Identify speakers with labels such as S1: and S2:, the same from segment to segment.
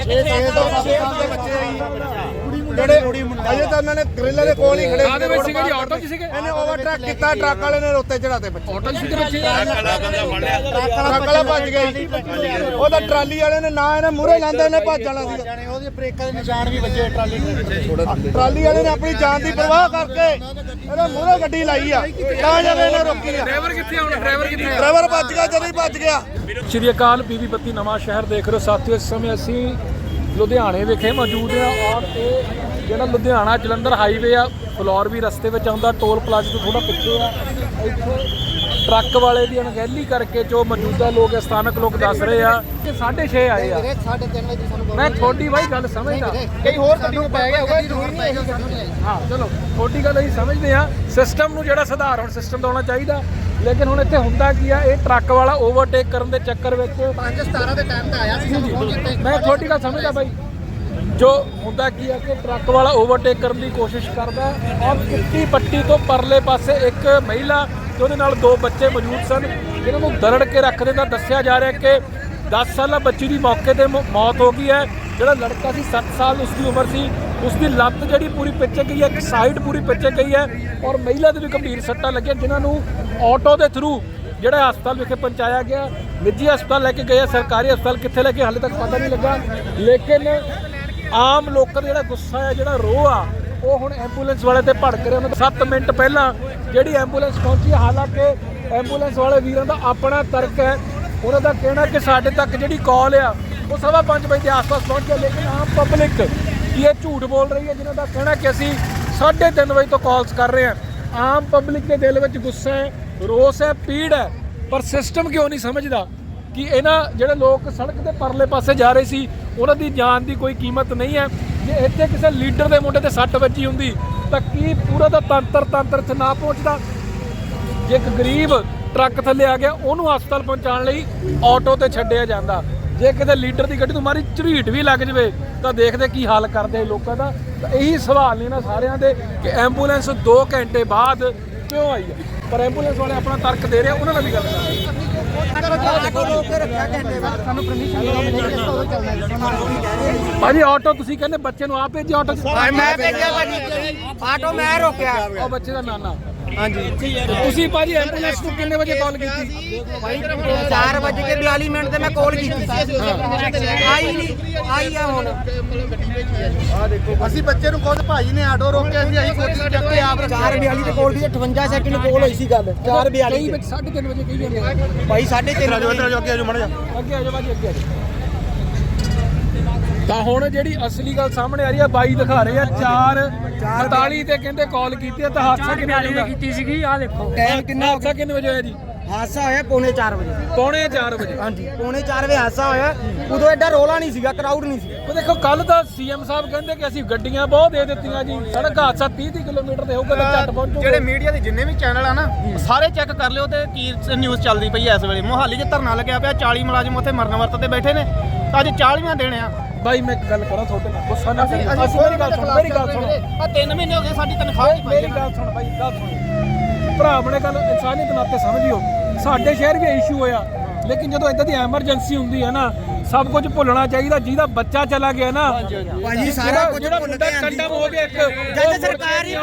S1: ਜਿਹੜੇ ਅਜੇ ਤਾਂ ਉਹਨਾਂ ਨੇ ਗ੍ਰਿਲ ਦੇ ਕੋਲ ਹੀ ਖੜੇ ਸੀਗੇ ਜੀ, ਆਟੋ 'ਚ ਸੀਗੇ। ਇਹਨੇ ਓਵਰਟੇਕ ਕੀਤਾ, ਟਰੱਕ ਵਾਲੇ ਨੇ ਉੱਤੇ ਚੜਾਤੇ ਬੱਚੇ। ਆਟੋ 'ਚ ਸੀਗੇ ਬੱਚੇ, ਟਰੱਕ ਵਾਲਾ ਭੱਜ ਗਿਆ ਜੀ। ਉਹਦਾ ਟਰਾਲੀ ਵਾਲੇ ਨੇ ਨਾ ਇਹਨੇ ਮੂਹਰੇ ਲਾਂਦੇ ਇਹਨੇ ਭੱਜ ਜਾਣਾ ਸੀ। ਉਹਦੇ ਬ੍ਰੇਕਾਂ ਦੇ ਨਿਸ਼ਾਨ ਵੀ ਵੱਜੇ ਟਰਾਲੀ ਵਾਲੇ ਨੇ ਆਪਣੀ ਜਾਨ ਦੀ ਪਰਵਾਹ ਕਰਕੇ ਇਹਨੇ ਮੂਹਰੇ ਗੱਡੀ ਲਾਈ ਆ, ਤਾਂ ਜਦ ਇਹਨੇ ਰੋਕੀ ਆ।
S2: ਡਰਾਈਵਰ ਕਿੱਥੇ ਹੁਣ?
S1: ਡਰਾਈਵਰ ਭੱਜ ਗਿਆ, ਜਦੋਂ ਹੀ ਭੱਜ ਗਿਆ।
S2: ਸ਼੍ਰੀ ਅਕਾਲ, ਬੀਬੀ ਬੱਤੀ ਨਵਾਂ ਸ਼ਹਿਰ ਦੇਖ ਰਹੇ ਹੋ ਸਾਥੀਓ। ਇਸ ਸਮੇਂ ਅਸੀਂ ਲੁਧਿਆਣੇ ਵਿਖੇ ਮੌਜੂਦ ਹਾਂ ਔਰ ਇਹ ਜਿਹੜਾ ਲੁਧਿਆਣਾ ਜਲੰਧਰ ਹਾਈਵੇ ਆ, ਫਲੋਰ ਵੀ ਰਸਤੇ ਵਿੱਚ ਆਉਂਦਾ, ਟੋਲ ਪਲਾਜ਼ੇ ਤੋਂ ਥੋੜਾ ਪਿੱਛੇ ਆ। ਇੱਥੇ ਟਰੱਕ ਵਾਲੇ ਦੀ ਅਣਗਹਿਲੀ ਕਰਕੇ ਜੋ ਮੌਜੂਦਾ ਲੋਕ ਸਥਾਨਕ ਲੋਕ ਦੱਸ ਰਹੇ ਆ ਕਿ 6:30 ਆਏ ਆ।
S3: 3:30 ਵਜੇ ਸਾਨੂੰ
S2: ਮੈਂ ਤੁਹਾਡੀ ਬਾਈ ਗੱਲ ਸਮਝਦਾ,
S3: ਕਈ ਹੋਰ ਗੱਡੀ ਨੂੰ ਪੈ ਗਿਆ ਹੋਗਾ, ਜ਼ਰੂਰੀ ਨਹੀਂ
S2: ਹਾਂ ਚਲੋ ਤੁਹਾਡੀ ਗੱਲ ਅਸੀਂ ਸਮਝਦੇ ਆ। ਸਿਸਟਮ ਨੂੰ ਜਿਹੜਾ ਸਧਾਰਨ ਸਿਸਟਮ ਦਾ ਹੋਣਾ ਚਾਹੀਦਾ, ਲੇਕਿਨ ਹੁਣ ਇੱਥੇ ਹੁੰਦਾ ਕੀ ਆ, ਇਹ ਟਰੱਕ ਵਾਲਾ ਓਵਰਟੇਕ ਕਰਨ ਦੇ ਚੱਕਰ ਵਿੱਚ
S3: 5:17 ਦੇ ਟਾਈਮ ਤੇ ਆਇਆ ਸੀ।
S2: ਮੈਂ ਤੁਹਾਡੀ ਗੱਲ ਸਮਝਦਾ ਬਾਈ। ਜੋ ਹੁੰਦਾ ਕੀ ਆ ਕਿ ਟਰੱਕ ਵਾਲਾ ਓਵਰਟੇਕ ਕਰਨ ਦੀ ਕੋਸ਼ਿਸ਼ ਕਰਦਾ ਔਰ ਕਿੱਟੀ ਪੱਟੀ ਤੋਂ ਪਰਲੇ ਪਾਸੇ ਇੱਕ ਮਹਿਲਾ ਤੇ ਉਹਦੇ ਨਾਲ 2 ਬੱਚੇ ਮੌਜੂਦ ਸਨ, ਜਿਹਨਾਂ ਨੂੰ ਦਰੜ ਕੇ ਰੱਖ ਦਿੰਦਾ। ਦੱਸਿਆ ਜਾ ਰਿਹਾ ਕਿ 10 ਸਾਲਾ ਬੱਚੀ ਦੀ ਮੌਕੇ ਤੇ ਮੌਤ ਹੋ ਗਈ ਹੈ। ਜਿਹੜਾ ਲੜਕਾ ਸੀ 7 ਸਾਲ ਉਸਦੀ ਉਮਰ ਸੀ, ਉਸਦੀ ਲੱਤ ਜਿਹੜੀ ਪੂਰੀ ਪਿੱਛੇ ਗਈ ਹੈ, ਇੱਕ ਸਾਈਡ ਪੂਰੀ ਪਿੱਛੇ ਗਈ ਹੈ ਔਰ ਮਹਿਲਾ ਦੇ ਵੀ ਗੰਭੀਰ ਸੱਟਾਂ ਲੱਗੀਆਂ, ਜਿਨ੍ਹਾਂ ਨੂੰ ਆਟੋ ਦੇ ਥਰੂ ਜਿਹੜਾ ਹਸਪਤਾਲ ਵਿਖੇ ਪਹੁੰਚਾਇਆ ਗਿਆ। ਨਿੱਜੀ ਹਸਪਤਾਲ ਲੈ ਕੇ ਗਏ, ਸਰਕਾਰੀ ਹਸਪਤਾਲ ਕਿੱਥੇ ਲੈ ਕੇ ਹਾਲੇ ਤੱਕ ਪਤਾ ਨਹੀਂ ਲੱਗਾ। ਲੇਕਿਨ ਆਮ ਲੋਕਾਂ ਦਾ ਜਿਹੜਾ ਗੁੱਸਾ ਹੈ, ਜਿਹੜਾ ਰੋਹ ਆ, ਉਹ ਹੁਣ ਐਂਬੂਲੈਂਸ ਵਾਲੇ ਤੇ ਭੜਕ ਰਿਹਾ। 7 ਮਿੰਟ ਪਹਿਲਾਂ ਜਿਹੜੀ ਐਂਬੂਲੈਂਸ ਪਹੁੰਚੀ, ਹਾਲਾਂਕਿ ਐਂਬੂਲੈਂਸ ਵਾਲੇ ਵੀਰਾਂ ਦਾ ਆਪਣਾ ਤਰਕ ਹੈ। ਉਹਨਾਂ ਦਾ ਕਹਿਣਾ ਕਿ ਸਾਡੇ ਤੱਕ ਜਿਹੜੀ ਕਾਲ ਆ ਉਹ 5:15 ਵਜੇ ਦੇ ਆਸ-ਪਾਸ ਪਹੁੰਚ ਗਈ, ਲੇਕਿਨ ਆਮ ਪਬਲਿਕ ਇਹ ਝੂਠ ਬੋਲ ਰਹੀ ਹੈ, ਜਿਨ੍ਹਾਂ ਦਾ ਕਹਿਣਾ ਕਿ ਅਸੀਂ 3:30 ਵਜੇ ਤੋਂ ਕਾਲਸ ਕਰ ਰਹੇ ਹਾਂ। ਆਮ ਪਬਲਿਕ ਦੇ ਦਿਲ ਵਿੱਚ ਗੁੱਸਾ ਹੈ, ਰੋਸ ਹੈ, ਪੀੜ ਹੈ, ਪਰ ਸਿਸਟਮ ਕਿਉਂ ਨਹੀਂ ਸਮਝਦਾ ਕਿ ਇਹਨਾਂ ਜਿਹੜੇ ਲੋਕ ਸੜਕ ਦੇ ਪਰਲੇ ਪਾਸੇ ਜਾ ਰਹੇ ਸੀ, ਉਹਨਾਂ ਦੀ ਜਾਨ ਦੀ ਕੋਈ ਕੀਮਤ ਨਹੀਂ ਹੈ। ਜੇ ਇੱਥੇ ਕਿਸੇ ਲੀਡਰ ਦੇ ਮੁੰਡੇ ਤੇ 6 ਵੱਜੀ ਹੁੰਦੀ ਤਾਂ ਕੀ ਪੂਰਾ ਦਾ ਤੰਤਰ ਇੱਥੇ ਨਾ ਪਹੁੰਚਦਾ? ਜੇ ਇੱਕ ਗਰੀਬ ਟਰੱਕ ਥੱਲੇ ਆ ਗਿਆ, ਉਹਨੂੰ ਹਸਪਤਾਲ ਪਹੁੰਚਾਉਣ ਲਈ ਆਟੋ ਤੇ ਛੱਡਿਆ ਜਾਂਦਾ। ਜੇ ਕਿਤੇ ਲੀਡਰ ਦੀ ਗੱਡੀ ਤੋਂ ਮਾਰੀ ਝਰੀਟ ਵੀ ਲੱਗ ਜਵੇ ਤਾਂ ਦੇਖਦੇ ਕੀ ਹਾਲ ਕਰਦੇ ਲੋਕਾਂ ਦਾ। ਤਾਂ ਇਹੀ ਸਵਾਲ ਨੇ ਨਾ ਸਾਰਿਆਂ ਦੇ ਕਿ ਐਂਬੂਲੈਂਸ 2 ਘੰਟੇ ਬਾਅਦ ਕਿਉਂ ਆਈ ਹੈ, ਪਰ ਐਂਬੂਲੈਂਸ ਵਾਲੇ ਆਪਣਾ ਤਰਕ ਦੇ ਰਹੇ, ਉਹਨਾਂ ਨਾਲ ਵੀ ਗੱਲ ਕਰਦੇ। ਭਾਜੀ ਆਟੋ ਤੁਸੀਂ ਕਹਿੰਦੇ ਬੱਚੇ ਨੂੰ ਆਪ ਭੇਜਿਆ? ਆਟੋ
S3: ਮੈਂ ਭੇਜਿਆ ਭਾਜੀ, ਆਟੋ ਮੈਂ ਰੋਕਿਆ।
S2: ਉਹ ਬੱਚੇ ਦਾ ਨਾਨਾ? ਹਾਂਜੀ। ਤੁਸੀਂ ਭਾਜੀ ਐਂਬੂਲੈਂਸ ਨੂੰ ਕਿੰਨੇ ਵਜੇ ਕਾਲ ਕੀਤੀ?
S3: ਭਾਈ 4:42 ਤੇ ਮੈਂ ਕਾਲ ਕੀਤੀ ਸੀ, ਆਈ ਨਹੀਂ, ਆਈ ਆ ਹੁਣ।
S1: ਆ ਦੇਖੋ, ਅਸੀਂ ਬੱਚੇ ਨੂੰ ਖੁਦ ਭਾਜੀ ਨੇ ਆਟੋ ਰੋਕਿਆ ਸੀ, ਅਸੀਂ ਕੋਸ਼ਿਸ਼ ਚੱਕ ਕੇ ਆਪ
S3: 4:42 ਤੇ ਕਾਲ ਕੀਤੀ, 58 ਸੈਕਿੰਡ ਕਾਲ ਹੋਈ ਸੀ ਗੱਲ। 4:42
S2: ਵਿੱਚ 3:30 ਵਜੇ ਕਹੀ ਜਾਂਦੇ
S3: ਭਾਈ 3:30
S1: ਅੱਗੇ ਆਜੋ ਮੜ ਜਾ,
S2: ਅੱਗੇ ਆਜੋ ਭਾਜੀ, ਅੱਗੇ ਆਜੋ। ਤਾਂ ਹੁਣ ਜਿਹੜੀ ਅਸਲੀ ਗੱਲ ਸਾਹਮਣੇ ਆ ਰਹੀ ਹੈ, ਬਾਈ ਦਿਖਾ ਰਹੇ ਆ 4:48 ਤੇ ਕਹਿੰਦੇ ਕਾਲ ਕੀਤੀ ਹੈ। ਤਾਂ ਹਾਦਸਾ ਕਿੰਨੇ ਵਜੇ ਕੀਤੀ ਸੀਗੀ? ਆਹ ਦੇਖੋ
S3: ਟਾਈਮ ਕਿੰਨਾ।
S2: ਹਾਦਸਾ ਕਿੰਨੇ ਵਜੇ ਹੋਇਆ ਜੀ?
S3: ਹਾਦਸਾ ਹੋਇਆ 3:45 ਵਜੇ।
S2: 3:45 ਵਜੇ?
S3: ਹਾਂਜੀ 3:45 ਵਜੇ ਹਾਦਸਾ ਹੋਇਆ। ਉਦੋਂ ਐਡਾ ਰੋਲਾ ਨਹੀਂ ਸੀਗਾ, ਕਰਾਊਡ ਨਹੀਂ ਸੀ।
S2: ਉਹ ਦੇਖੋ ਕੱਲ ਤਾਂ ਸੀਐਮ ਸਾਹਿਬ ਕਹਿੰਦੇ ਕਿ ਅਸੀਂ ਗੱਡੀਆਂ ਬਹੁਤ ਦੇ ਦਿੱਤੀਆਂ ਜੀ, ਸੜਕ ਹਾਦਸਾ 30 ਕਿਲੋਮੀਟਰ ਦੇ ਹੋਊਗਾ ਤਾਂ ਝੱਟ ਪਹੁੰਚੋ।
S4: ਜਿਹੜੇ ਮੀਡੀਆ ਦੇ ਜਿੰਨੇ ਵੀ ਚੈਨਲ ਆ ਨਾ, ਸਾਰੇ ਚੈੱਕ ਕਰ ਲਿਓ ਤੇ ਕੀ ਨਿਊਜ਼ ਚੱਲਦੀ ਪਈ ਐ ਇਸ ਵੇਲੇ। ਮੋਹਾਲੀ 'ਚ ਧਰਨਾ ਲੱਗਿਆ ਪਿਆ, 40 ਮੁਲਾਜ਼ਮ ਉੱਥੇ ਮਰਨ ਵਰਤ ਤੇ ਬੈਠੇ ਨੇ। ਅੱਜ 40ਵਾਂ ਦਿਨ ਆ।
S2: ਬਾਈ ਮੈਂ ਇੱਕ ਗੱਲ ਕਰਾਂ ਤੁਹਾਡੇ ਨਾਲ, ਗੁੱਸਾ ਨਾ ਕਰੀ। ਅਸੀਂ ਮੇਰੀ ਗੱਲ ਸੁਣੋ, ਮੇਰੀ ਗੱਲ ਸੁਣੋ।
S4: ਆ 3 ਮਹੀਨੇ ਹੋ ਗਏ ਸਾਡੀ ਤਨਖਾਹ ਨਹੀਂ ਪਾਈ।
S2: ਮੇਰੀ ਗੱਲ ਸੁਣ ਬਾਈ, ਗੱਲ ਸੁਣ ਭਰਾ, ਆਪਣੇ ਗੱਲ ਇਨਸਾਨੀਅਤ ਨਾਤੇ ਸਮਝਿਓ। ਸਾਡੇ ਸ਼ਹਿਰ ਵੀ ਇਸ਼ੂ ਹੋਇਆ, ਲੇਕਿਨ ਜਦੋਂ ਇਦਾਂ ਦੀ ਐਮਰਜੈਂਸੀ ਹੁੰਦੀ ਹੈ ਨਾ, ਸਭ ਕੁਝ ਭੁੱਲਣਾ ਚਾਹੀਦਾ। ਜਿਹਦਾ ਬੱਚਾ ਚਲਾ ਗਿਆ ਨਾ
S3: ਭਾਜੀ, ਸਾਰਾ ਕੁਝ
S2: ਜਿਹੜਾ
S3: ਭੁੱਲ
S2: ਮੁੰਡਾ
S3: ਕੇ
S2: ਕੰਡਮ ਹੋ ਗਿਆ, ਇੱਕ
S3: ਜਦ ਸਰਕਾਰ ਹੀ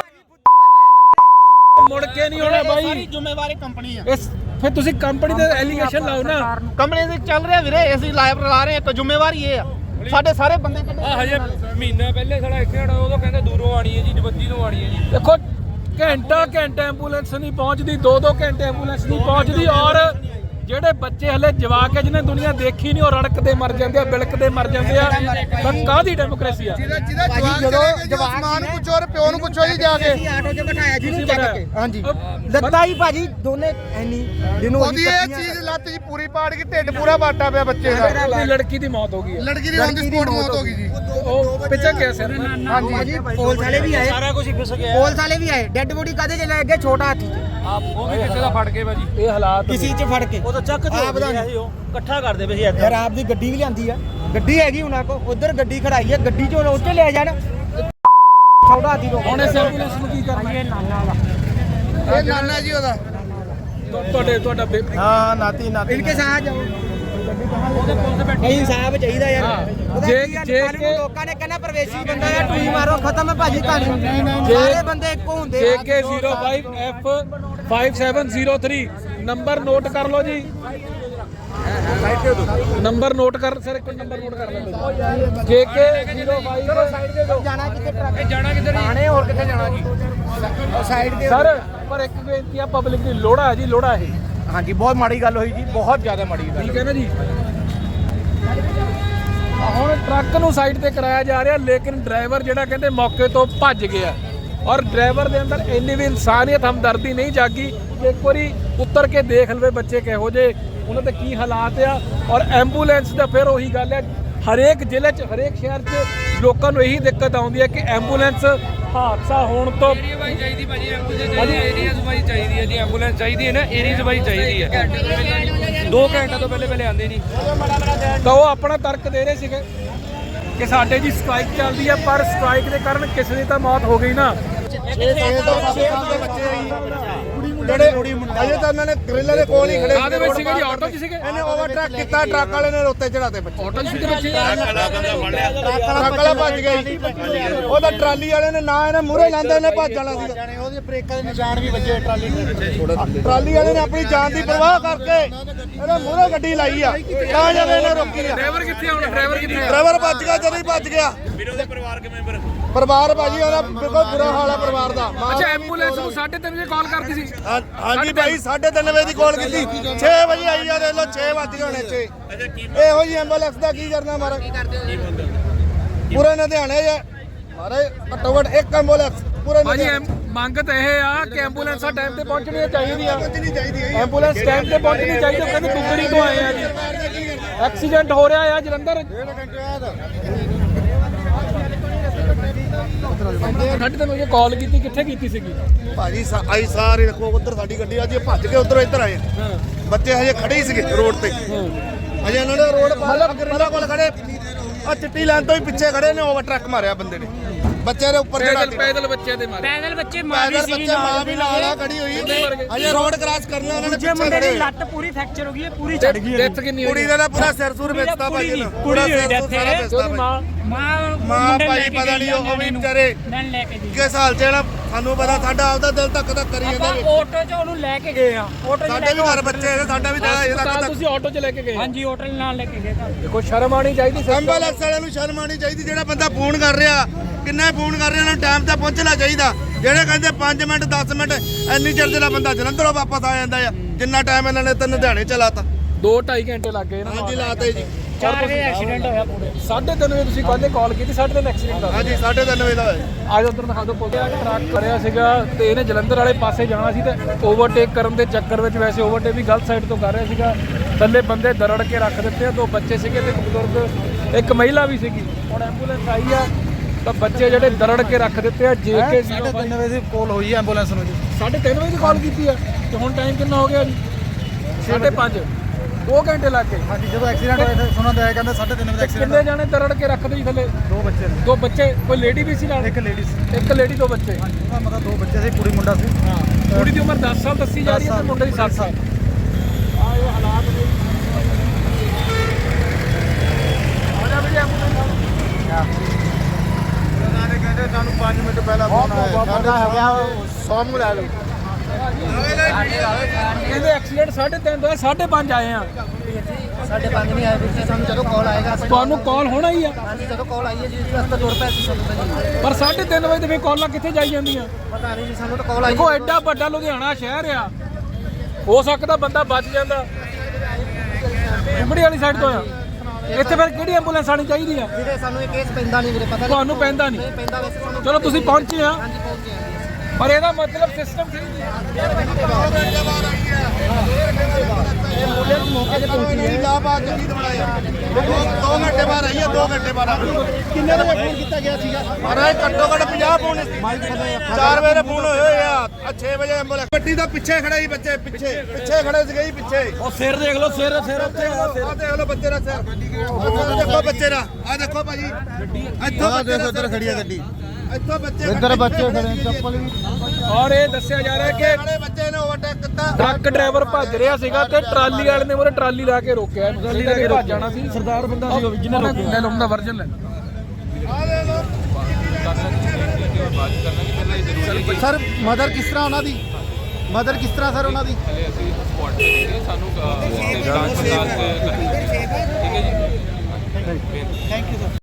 S2: ਮੁੜ ਕੇ ਨਹੀਂ ਹੋਣਾ ਬਾਈ।
S4: ਸਾਰੀ ਜ਼ਿੰਮੇਵਾਰੀ ਕੰਪਨੀ ਆ।
S2: ਇਸ ਫਿਰ ਤੁਸੀਂ ਕੰਪਨੀ ਦੇ ਐਲੀਗੇਸ਼ਨ ਲਾਓ ਨਾ।
S4: ਕੰਪਨੀ ਦੇ ਚੱਲ ਰਿਹਾ ਵੀਰੇ, ਅਸੀਂ ਲਾਈਵ ਲਾ ਰਹੇ ਹਾਂ। ਜ਼ਿੰਮੇਵਾਰੀ ਇਹ ਆ, ਸਾਡੇ ਸਾਰੇ ਬੰਦੇ ਕੱਢੇ।
S2: ਹਜੇ ਮਹੀਨਾ ਪਹਿਲੇ ਸਾਡਾ ਇੱਥੇ ਉਦੋਂ ਕਹਿੰਦੇ ਦੂਰੋਂ ਆਣੀ ਹੈ ਜੀ, ਜਵੱਦੀ ਤੋਂ ਆਣੀ ਹੈ ਜੀ। ਦੇਖੋ ਘੰਟਾ ਐਂਬੂਲੈਂਸ ਨਹੀਂ ਪਹੁੰਚਦੀ, 2-2 ਘੰਟੇ ਐਂਬੂਲੈਂਸ ਨਹੀਂ ਪਹੁੰਚਦੀ। ਔਰ ਜਿਹੜੇ ਬੱਚੇ ਹਲੇ ਜਵਾਕ ਹੈ, ਜਿਹਨੇ ਦੁਨੀਆ ਦੇਖੀ ਨਹੀਂ, ਉਹ ਰੜਕਦੇ ਮਰ ਜਾਂਦੇ ਆ, ਬਿਲਕਦੇ ਮਰ ਜਾਂਦੇ ਆ। ਤਾਂ ਕਾਹਦੀ ਡੈਮੋਕ੍ਰੇਸੀ ਆ?
S1: ਜਿਹਦਾ ਜਵਾਕ ਮਾਂ ਨੂੰ ਪੁੱਛੋ ਔਰ ਪਿਓ ਨੂੰ ਪੁੱਛੋ ਜੀ ਜਾ ਕੇ।
S3: ਆਟੋ 'ਚ ਬਿਠਾਇਆ ਜੀ ਨੂੰ ਚੱਕ ਕੇ।
S1: ਹਾਂਜੀ,
S3: ਲੱਤਾਂ ਹੀ ਭਾਜੀ ਦੋਨੇ ਐਨੀ ਜਿਹਨੂੰ
S1: ਉਹਦੀ ਇਹ ਚੀਜ਼ ਲੱਤ ਜੀ ਪੂਰੀ ਪਾੜ ਗਈ, ਢਿੱਡ ਪੂਰਾ ਬਾਟਾ ਪਿਆ ਬੱਚੇ ਦਾ।
S2: ਉਹਦੀ ਲੜਕੀ ਦੀ ਮੌਤ ਹੋ ਗਈ ਹੈ।
S1: ਲੜਕੀ ਦੀ ਔਨ ਦੀ ਸਪੌਟ ਮੌਤ ਹੋ ਗਈ ਜੀ।
S2: ਉਹ ਪਿੱਛੇ ਗਿਆ ਸਿਰ।
S3: ਹਾਂਜੀ ਪੁਲਿਸ ਵਾਲੇ ਵੀ ਆਏ, ਸਾਰਾ ਕੁਝ ਫਿਸ ਗਿਆ। ਪੁਲਿਸ ਵਾਲੇ ਵੀ ਆਏ, ਡੈੱਡ ਬੋਡੀ ਕਾਦੇ 'ਚ ਲੈ ਗਏ? ਛੋਟਾ ਹਾਥੀ 'ਚ।
S2: ਉਹ ਵੀ ਕਿਸੇ ਦਾ ਫੜ ਕੇ ਭਾਜੀ, ਇਹ ਹਾਲਾਤ
S3: ਕਿਸੇ 'ਚ ਫੜ ਕੇ।
S4: ਉਹ ਤਾਂ ਚੱਕ ਇਕੱਠਾ ਕਰਦੇ ਪਏ ਸੀ
S3: ਯਾਰ ਆਪ ਦੀ ਗੱਡੀ ਵੀ ਲਿਆਂਦੀ ਆ, ਗੱਡੀ ਹੈਗੀ ਉਹਨਾਂ ਕੋ, ਉਧਰ ਗੱਡੀ ਖੜਾਈ ਆ, ਗੱਡੀ 'ਚ ਉੱਤੇ ਲੈ ਜਾਣ। ਛੋਟਾ ਹਾਥੀ ਤੋਂ
S2: ਹੁਣ ਇਸ ਐਂਬੂਲੈਂਸ ਨੂੰ ਕੀ ਕਰਨਾ?
S3: ਇਹ ਨਾਨਾ ਦਾ,
S1: ਇਹ ਨਾਨਾ ਜੀ ਉਹਦਾ।
S2: ਤੁਹਾਡਾ
S1: हाँ नाती नाती
S3: इनके साथ जाओ। ਨਹੀਂ ਇਨਸਾਫ ਚਾਹੀਦਾ ਯਾਰ
S2: ਹਾਂ।
S3: ਉਹਦਾ
S2: ਜੇ-
S3: ਕੀ ਆ,
S2: ਜੇ
S3: ਕੱਲ੍ਹ ਨੂੰ
S2: ਕਿ-
S3: ਲੋਕਾਂ ਨੇ ਕਹਿਣਾ ਪ੍ਰਵੇਸ਼ੀ ਬੰਦਾ ਆ ਟੂਈ ਮਾਰੋ ਖਤਮ ਹੈ ਭਾਜੀ ਕਹਾਣੀ ਸਾਰੇ ਬੰਦੇ ਇੱਕੋ ਹੁੰਦੇ ਆ।
S2: JK05F5703 ਨੰਬਰ ਨੋਟ ਕਰ ਲਓ ਜੀ। ਨੰਬਰ ਨੋਟ ਕਰ ਸਰ, ਇੱਕ ਨੰਬਰ ਨੋਟ ਕਰ ਲਓ। JK05
S3: ਜਾਣਾ ਕਿੱਥੇ ਟਰੱਕ
S2: ਜਾਣਾ ਕਿੱਧਰ ਜੀ?
S3: ਆਣੇ ਹੋਰ ਕਿੱਥੇ ਜਾਣਾ ਜੀ ਸਾਈਡ ਦੇ
S2: ਸਰ ਪਰ ਇੱਕ ਬੇਨਤੀ ਆ, ਪਬਲਿਕ ਦੀ ਲੋੜਾ ਹੈ ਜੀ, ਲੋੜਾ ਇਹ
S3: ਹਾਂਜੀ ਬਹੁਤ ਮਾੜੀ ਗੱਲ ਹੋਈ ਜੀ ਬਹੁਤ ਜ਼ਿਆਦਾ ਮਾੜੀ ਗੱਲ
S2: ਠੀਕ ਹੈ ਨਾ ਜੀ। ਹੁਣ ਟਰੱਕ ਨੂੰ ਸਾਈਡ ਤੇ ਕਰਾਇਆ ਜਾ ਰਿਹਾ, ਲੇਕਿਨ ਡਰਾਈਵਰ ਜਿਹੜਾ ਕਹਿੰਦੇ ਮੌਕੇ ਤੋਂ ਭੱਜ ਗਿਆ ਔਰ ਡਰਾਈਵਰ ਦੇ ਅੰਦਰ ਇੰਨੀ ਵੀ ਇਨਸਾਨੀਅਤ ਹਮਦਰਦੀ ਨਹੀਂ ਜਾਗੀ ਕਿ ਇੱਕ ਵਾਰੀ ਉੱਤਰ ਕੇ ਦੇਖ ਲਵੇ ਬੱਚੇ ਕਿਹੋ ਜੇ, ਉਹਨਾਂ ਦੇ ਕੀ ਹਾਲਾਤ ਆ। ਔਰ ਐਂਬੂਲੈਂਸ ਦਾ ਫਿਰ ਉਹੀ ਗੱਲ ਹੈ, ਹਰੇਕ ਜ਼ਿਲ੍ਹੇ 'ਚ ਹਰੇਕ ਸ਼ਹਿਰ 'ਚ ਲੋਕਾਂ ਨੂੰ ਇਹੀ ਦਿੱਕਤ ਆਉਂਦੀ ਹੈ ਕਿ ਐਂਬੂਲੈਂਸ ਹਾਦਸਾ ਹੋਣ ਤੋਂ
S5: ਭਾਈ ਚਾਹੀਦੀ ਭਾਜੀ ਐਂਬੂਲੈਂਸ ਏਰੀਆ ਸਫਾਈ ਚਾਹੀਦੀ ਹੈ ਜੀ। ਐਂਬੂਲੈਂਸ ਚਾਹੀਦੀ ਹੈ ਨਾ, ਏਰੀਆ ਸਫਾਈ ਚਾਹੀਦੀ ਹੈ। 2 ਘੰਟੇ ਤੋਂ ਪਹਿਲੇ ਆਉਂਦੇ ਨਹੀਂ।
S2: ਤਾਂ ਉਹ ਆਪਣਾ ਤਰਕ ਦੇ ਰਹੇ ਸੀਗੇ ਕਿ ਸਾਡੇ ਜੀ ਸਟ੍ਰਾਈਕ ਚੱਲਦੀ ਹੈ, ਪਰ ਸਟ੍ਰਾਈਕ ਦੇ ਕਾਰਨ ਕਿਸੇ ਦੀ ਤਾਂ ਮੌਤ ਹੋ ਗਈ ਨਾ।
S1: ਜਿਹੜੇ ਅਜੇ ਤਾਂ ਇਹਨਾਂ ਨੇ ਗ੍ਰਿਲਾਂ ਦੇ ਕੋਲ ਹੀ ਖੜੇ
S2: ਕਾਹਦੇ ਵਿੱਚ ਸੀਗੇ ਜੀ? ਆਟੋ 'ਚ ਸੀਗੇ?
S1: ਇਹਨੇ ਓਵਰਟ੍ਰੈਕ ਕੀਤਾ, ਟਰੱਕ ਵਾਲੇ ਨੇ ਉੱਤੇ ਚੜਾਤੇ ਬੱਚੇ।
S2: ਆਟੋ 'ਚ ਸੀਗੇ ਬੱਚੇ?
S1: ਟਰੱਕ ਵਾਲਾ ਭੱਜ ਗਿਆ ਜੀ। ਉਹਦਾ ਟਰਾਲੀ ਵਾਲੇ ਨੇ ਨਾ ਇਹਨੇ ਮੂਹਰੇ ਲਾਂਦਾ, ਇਹਨੇ ਭੱਜ ਜਾਣਾ ਸੀਗਾ।
S3: ਉਹਦੇ ਬ੍ਰੇਕਾਂ ਦੇ ਨਿਸ਼ਾਨ ਵੀ ਵੱਜੇ ਟਰਾਲੀ
S1: ਟਰਾਲੀ ਵਾਲੇ ਨੇ ਆਪਣੀ ਜਾਨ ਦੀ ਪਰਵਾਹ ਕਰਕੇ ਇਹਨੇ ਮੂਹਰੇ ਗੱਡੀ ਲਾਈ ਆ, ਤਾਂ ਜਦ ਇਹਨੇ ਰੋਕੀ ਆ।
S2: ਡਰਾਈਵਰ ਕਿੱਥੇ ਹੁਣ? ਡਰਾਈਵਰ ਕਿੱਥੇ ਆ?
S1: ਡਰਾਈਵਰ ਭੱਜ ਗਿਆ, ਜਦੋਂ ਹੀ ਭੱਜ ਗਿਆ। ਪਰਿਵਾਰ ਭਾਜੀ ਉਹਦਾ ਬਿਲਕੁਲ ਬੁਰਾ ਹਾਲ ਆ ਪਰਿਵਾਰ ਦਾ।
S2: ਅੱਛਾ, ਐਂਬੂਲੈਂਸ ਨੂੰ 3:30 ਵਜੇ ਕਾਲ ਕਰਦੀ ਸੀ?
S1: ਹਾਂਜੀ ਭਾਈ 3:30 ਵਜੇ ਦੀ ਕਾਲ ਕੀਤੀ, 6 ਵਜੇ ਆਈ ਆ, ਦੇਖ ਲਓ 6 ਵੱਜ ਗਏ ਹੋਣੇ 6। ਇਹੋ ਜੀ ਐਂਬੂਲੈਂਸ ਦਾ ਕੀ ਕਰਨਾ ਮਾਰਾ? ਪੂਰੇ ਲੁਧਿਆਣੇ ਜੇ ਮਾਰੇ ਘੱਟੋ ਘੱਟ ਇੱਕ ਐਂਬੂਲੈਂਸ ਪੂਰੇ
S2: ਭਾਜੀ
S1: ਲੁਧਿਆਣੇ
S2: ਮੰਗ ਤਾਂ ਇਹ ਆ ਕਿ ਐਂਬੂਲੈਂਸਾਂ ਟਾਈਮ ਤੇ ਪਹੁੰਚਣੀਆਂ ਚਾਹੀਦੀਆਂ।
S1: ਪਹੁੰਚਣੀ ਚਾਹੀਦੀ ਹੈ।
S2: ਐਂਬੂਲੈਂਸ ਟਾਈਮ ਤੇ ਪਹੁੰਚਣੀ ਚਾਹੀਦੀ। ਉਹ ਕਹਿੰਦੇ ਦੁੱਗੜੀ ਤੋਂ ਆਏ ਆ ਜੀ। ਐਕਸੀਡੈਂਟ ਹੋ ਰਿਹਾ ਆ ਜਲੰਧਰ। 3:30 ਵਜੇ ਕਾਲ ਕੀਤੀ, ਕਿੱਥੇ ਕੀਤੀ ਸੀਗੀ?
S1: ਭਾਜੀ ਆਈ ਸਾਰੇ ਦੇਖੋ ਉਧਰ ਸਾਡੀ ਗੱਡੀ ਆ ਜੀ, ਭੱਜ ਕੇ ਉਧਰੋਂ ਇੱਧਰ ਆਏ। ਬੱਚੇ ਹਜੇ ਖੜੇ ਹੀ ਸੀਗੇ ਰੋਡ ਤੇ, ਹਜੇ ਇਹਨਾਂ ਨੇ ਰੋਡ ਪਾਰ ਗਰਿੱਲਾਂ ਕੋਲ ਖੜੇ ਆ, ਚਿੱਟੀ ਲਾਈਨ ਤੋਂ ਹੀ ਪਿੱਛੇ ਖੜੇ ਨੇ, ਓਵਰਟ੍ਰੈਕ ਮਾਰਿਆ ਬੰਦੇ ਨੇ ਬੱਚੇ ਦੇ ਉੱਪਰ ਜਿਹੜਾ
S2: ਪੈਦਲ ਬੱਚੇ ਦੇ ਮਾਰੇ।
S5: ਪੈਦਲ ਬੱਚੇ
S1: ਪੈਦਲ ਬੱਚੇ ਮਾਂ ਵੀ ਨਾਲ ਆ ਖੜੀ ਹੋਈ, ਹਜੇ ਰੋਡ ਕ੍ਰਾਸ ਕਰਨਾ ਉਹਨਾਂ ਨੇ ਪਿੱਛੇ ਖੜੇ।
S5: ਲੱਤ ਪੂਰੀ ਫ੍ਰੈਕਚਰ ਹੋ ਗਈ ਹੈ, ਪੂਰੀ ਚੜ ਗਈ
S2: ਡੈਥ ਕਿੰਨੀ ਹੋਈ?
S1: ਕੁੜੀ ਦਾ ਨਾ ਪੂਰਾ ਸਿਰ ਸੁਰ ਵੇਚਦਾ ਭਾਈ ਇਹਨੂੰ, ਪੂਰਾ ਸਿਰ ਸੁਰ ਸਾਰਾ ਵੇਚਦਾ
S2: ਉਹਦੀ
S1: ਭਾਈ।
S2: ਮਾਂ
S1: ਮਾਂ ਭਾਈ ਪਤਾ ਨਹੀਂ ਉਹ ਵੀ ਵਿਚਾਰੇ
S5: ਮੈਂ ਲੈ ਕੇ ਗਈ
S1: ਕਿਸ ਹਾਲ ਚ ਹੈ ਨਾ, ਸਾਨੂੰ ਪਤਾ ਸਾਡਾ ਆਪਦਾ ਦਿਲ ਧੱਕ ਧੱਕ ਕਰੀ ਜਾਂਦਾ ਵਿੱਚ।
S5: ਆਟੋ 'ਚ ਉਹਨੂੰ ਲੈ ਕੇ ਗਏ ਆ। ਆਟੋ 'ਚ
S1: ਸਾਡੇ ਵੀ ਘਰ ਬੱਚੇ ਹੈਗੇ, ਸਾਡਾ ਵੀ ਦਿਲ ਇਹਦਾ
S2: ਤਾਂ
S1: ਧੱਕ।
S2: ਤੁਸੀਂ ਆਟੋ 'ਚ ਲੈ ਕੇ ਗਏ?
S5: ਹਾਂਜੀ ਆਟੋ ਨਾਲ ਲੈ ਕੇ ਗਏ ਤਾਂ
S2: ਦੇਖੋ ਸ਼ਰਮ ਆਣੀ ਚਾਹੀਦੀ।
S1: ਐਂਬੂਲੈਂਸ ਵਾਲਿਆਂ ਨੂੰ ਸ਼ਰਮ ਆਉਣੀ ਚਾਹੀਦੀ। ਜਿਹੜਾ ਬੰਦਾ ਫੋਨ ਕਰ ਰਿਹਾ, ਕਿੰਨਾ ਫੋਨ ਕਰ ਰਿਹਾ, ਉਹਨਾਂ ਨੂੰ ਟਾਈਮ ਤੇ ਪਹੁੰਚਣਾ ਚਾਹੀਦਾ। ਜਿਹੜੇ ਕਹਿੰਦੇ 5 ਮਿੰਟ 10 ਮਿੰਟ ਇੰਨੀ ਚਿਰ ਜਿਹੜਾ ਬੰਦਾ ਜਲੰਧਰੋਂ ਵਾਪਸ ਆ ਜਾਂਦਾ ਆ, ਜਿੰਨਾ ਟਾਈਮ ਇਹਨਾਂ ਨੇ ਤਾਂ ਲੁਧਿਆਣੇ ਚਲਾਤਾ।
S2: 2-2.5 ਘੰਟੇ ਲੱਗ ਗਏ ਨਾ।
S1: ਹਾਂਜੀ ਲਾਤੇ ਜੀ।
S5: 4 ਵਜੇ ਐਕਸੀਡੈਂਟ ਹੋਇਆ ਪੂਰੇ।
S2: 3:30 ਵਜੇ ਤੁਸੀਂ ਕੱਲ੍ਹ ਕਾਲ ਕੀਤੀ, 3:30 ਐਕਸੀਡੈਂਟ ਹੋਇਆ।
S1: ਹਾਂਜੀ 3:30 ਵਜੇ ਦਾ ਹੋਇਆ।
S2: ਆਜ ਉਧਰ ਦਿਖਾ ਦਿਓ। ਟਰੱਕ ਕਰਿਆ ਸੀਗਾ ਤੇ ਇਹਨੇ ਜਲੰਧਰ ਵਾਲੇ ਪਾਸੇ ਜਾਣਾ ਸੀ ਤੇ ਓਵਰਟੇਕ ਕਰਨ ਦੇ ਚੱਕਰ ਵਿੱਚ, ਵੈਸੇ ਓਵਰਟੇਕ ਵੀ ਗਲਤ ਸਾਈਡ ਤੋਂ ਕਰ ਰਿਹਾ ਸੀਗਾ, ਥੱਲੇ ਬੰਦੇ ਦਰੜ ਕੇ ਰੱਖ ਦਿੱਤੇ। 2 ਬੱਚੇ ਸੀਗੇ ਤੇ ਇੱਕ ਬਜ਼ੁਰਗ, ਇੱਕ ਮਹਿਲਾ ਵੀ ਸੀਗੀ। ਹੁਣ ਐਂਬੂਲੈਂਸ ਆਈ ਆ ਤਾਂ ਬੱਚੇ ਜਿਹੜੇ ਦਰੜ ਕੇ ਰੱਖ ਦਿੱਤੇ ਆ। JK
S3: 3:30 ਵਜੇ ਦੀ ਕਾਲ ਹੋਈ ਹੈ ਐਂਬੂਲੈਂਸ ਨੂੰ ਜੀ।
S2: 3:30 ਵਜੇ ਦੀ ਕਾਲ ਕੀਤੀ ਆ ਤੇ ਹੁਣ ਟਾਈਮ ਕਿੰਨਾ ਹੋ ਗਿਆ ਜੀ? 5:30। 2 ਘੰਟੇ ਲੱਗ ਗਏ।
S3: ਹਾਂਜੀ ਜਦੋਂ ਐਕਸੀਡੈਂਟ ਹੋਇਆ ਤਾਂ ਸੁਣਨ ਆਇਆ ਕਹਿੰਦੇ 3:30 ਵਜੇ
S2: ਕਿੰਨੇ ਜਾਣੇ ਦਰੜ ਕੇ ਰੱਖਦੇ ਜੀ ਥੱਲੇ?
S3: 2 ਬੱਚੇ ਨੇ।
S2: 2 ਬੱਚੇ, ਕੋਈ ਲੇਡੀ ਵੀ ਸੀ ਨਾਲ?
S3: ਇੱਕ ਲੇਡੀ ਸੀ।
S2: ਇੱਕ ਲੇਡੀ, 2 ਬੱਚੇ।
S3: ਹਾਂਜੀ ਉਹਦਾ ਮਤਲਬ 2 ਬੱਚੇ ਸੀ, ਕੁੜੀ ਮੁੰਡਾ ਸੀ।
S2: ਹਾਂ, ਕੁੜੀ ਦੀ ਉਮਰ 10 ਸਾਲ ਦੱਸੀ ਜਾ ਰਹੀ ਹੈ ਤੇ ਮੁੰਡੇ ਦੀ 7 ਸਾਲ। ਆ ਇਹ ਹਾਲਾਤ ਨੇ। ਆਜਾ ਵੀ
S1: ਕਹਿੰਦੇ ਸਾਨੂੰ 5 ਮਿੰਟ ਪਹਿਲਾਂ ਫੋਨ ਆਇਆ,
S3: ਸਾਡਾ ਹੋ ਗਿਆ
S1: ਸੌਮੂ ਲੈ ਲਓ।
S2: ਕਹਿੰਦੇ ਐਕਸੀਡੈਂਟ 3:30 ਦਾ, 5:30 ਆਏ ਆ।
S3: 5:30 ਨਹੀਂ ਆਏ ਵੀਰ ਜੀ, ਸਾਨੂੰ ਜਦੋਂ ਕਾਲ ਆਏਗਾ
S2: ਤੁਹਾਨੂੰ ਕਾਲ ਹੋਣਾ ਹੀ ਆ।
S3: ਹਾਂਜੀ ਜਦੋਂ ਕਾਲ ਆਈ ਹੈ ਜੀ ਅਸੀਂ ਤਾਂ ਤੁਰ ਪਏ ਸੀ ਸਾਨੂੰ ਤਾਂ ਜੀ
S2: ਪਰ 3:30 ਵਜੇ ਤੇ ਫੇਰ ਕਾਲਾਂ ਕਿੱਥੇ ਜਾਈ ਜਾਂਦੀਆਂ?
S3: ਪਤਾ ਨਹੀਂ ਜੀ, ਸਾਨੂੰ ਤਾਂ ਕਾਲ ਆਈ
S2: ਦੇਖੋ ਐਡਾ ਵੱਡਾ ਲੁਧਿਆਣਾ ਸ਼ਹਿਰ ਆ, ਹੋ ਸਕਦਾ ਬੰਦਾ ਬਚ ਜਾਂਦਾ। ਉਮੜੀ ਵਾਲੀ ਸਾਈਡ ਤੋਂ ਆ। ਇੱਥੇ ਫਿਰ ਕਿਹੜੀ ਐਂਬੂਲੈਂਸ ਆਣੀ ਚਾਹੀਦੀ ਆ?
S3: ਵੀਰੇ ਸਾਨੂੰ ਇਹ ਕੇਸ ਪੈਂਦਾ ਨਹੀਂ ਵੀਰੇ, ਪਤਾ
S2: ਤੁਹਾਨੂੰ ਪੈਂਦਾ ਨਹੀਂ?
S3: ਪੈਂਦਾ ਵੈਸੇ ਸਾਨੂੰ।
S2: ਚਲੋ ਤੁਸੀਂ ਪਹੁੰਚੇ ਆ,
S3: ਹਾਂਜੀ ਪਹੁੰਚੇ ਹਾਂ
S2: ਪਰ ਇਹਦਾ ਮਤਲਬ ਸਿਸਟਮ ਸਹੀ ਨਹੀਂ ਹੈ।
S3: ਐਂਬੂਲੈਂਸ ਮੌਕੇ ਤੇ ਪਹੁੰਚੀ ਹੈ।
S1: ਇਲਾਹਾਬਾਦ ਜੱਗੀ ਦਵਾਇਆ 2 ਘੰਟੇ ਬਾਅਦ ਆਈ ਹੈ। 2 ਘੰਟੇ ਬਾਅਦ
S3: ਕਿੰਨੇ ਵਜੇ ਫੋਨ ਕੀਤਾ ਗਿਆ ਸੀਗਾ?
S1: ਮਹਾਰਾਜ ਘੱਟੋ ਘੱਟ 50 ਫੋਨ 4 ਵਜੇ ਫੋਨ ਹੋਏ ਆ। 6 ਵਜੇ ਐਂਬੂਲੈਂਸ ਗੱਡੀ ਦਾ ਪਿੱਛੇ ਖੜਾ ਸੀ, ਬੱਚੇ ਪਿੱਛੇ ਖੜੇ ਸੀਗੇ ਜੀ ਪਿੱਛੇ।
S2: ਉਹ ਸਿਰ ਦੇਖ ਲਓ, ਸਿਰ ਉੱਥੇ
S1: ਆ ਦੇਖ ਲਓ ਬੱਚੇ ਦਾ ਸਿਰ, ਆਹ ਦੇਖੋ ਬੱਚੇ ਦਾ, ਆ ਦੇਖੋ ਭਾਜੀ ਇੱਥੋਂ ਬੱਚੇ ਦਾ ਸਿਰ
S3: ਖੜੀ ਹੈ ਗੱਡੀ।
S1: ਇੱਥੋਂ ਬੱਚੇ
S3: ਇੱਧਰ ਬੱਚੇ ਖੜੇ, ਚੱਪਲ ਵੀ।
S2: ਔਰ ਇਹ ਦੱਸਿਆ ਜਾ ਰਿਹਾ ਕਿ
S1: ਖੜੇ ਬੱਚੇ ਨੇ ਓਵਰਟੇਕ
S2: ਟਰੱਕ ਡਰਾਈਵਰ ਭੱਜ ਰਿਹਾ ਸੀਗਾ ਤੇ ਟਰਾਲੀ ਵਾਲੇ ਨੇ ਉਹਨੇ ਟਰਾਲੀ ਲਾ ਕੇ ਰੋਕਿਆ ਟਰਾਲੀ ਲਾ ਕੇ ਭੱਜ ਜਾਣਾ ਸੀ ਸਰਦਾਰ ਬੰਦਾ ਸੀ ਉਹ ਜਿਹਨੇ ਰੋਕਿਆ ਲੈ ਲਓ ਵਰਜਨ ਲੈ
S1: ਸਰ ਮਦਰ ਕਿਸ ਤਰ੍ਹਾਂ ਉਹਨਾਂ ਦੀ ਮਦਰ ਕਿਸ ਤਰ੍ਹਾਂ ਸਰ ਉਹਨਾਂ ਦੀ
S5: ਅਸੀਂ ਸਪੌਟ ਤੇ ਸਾਨੂੰ ਜਾਂਚ ਪੜਤਾਲ ਠੀਕ ਹੈ ਜੀ।
S3: Thank you sir.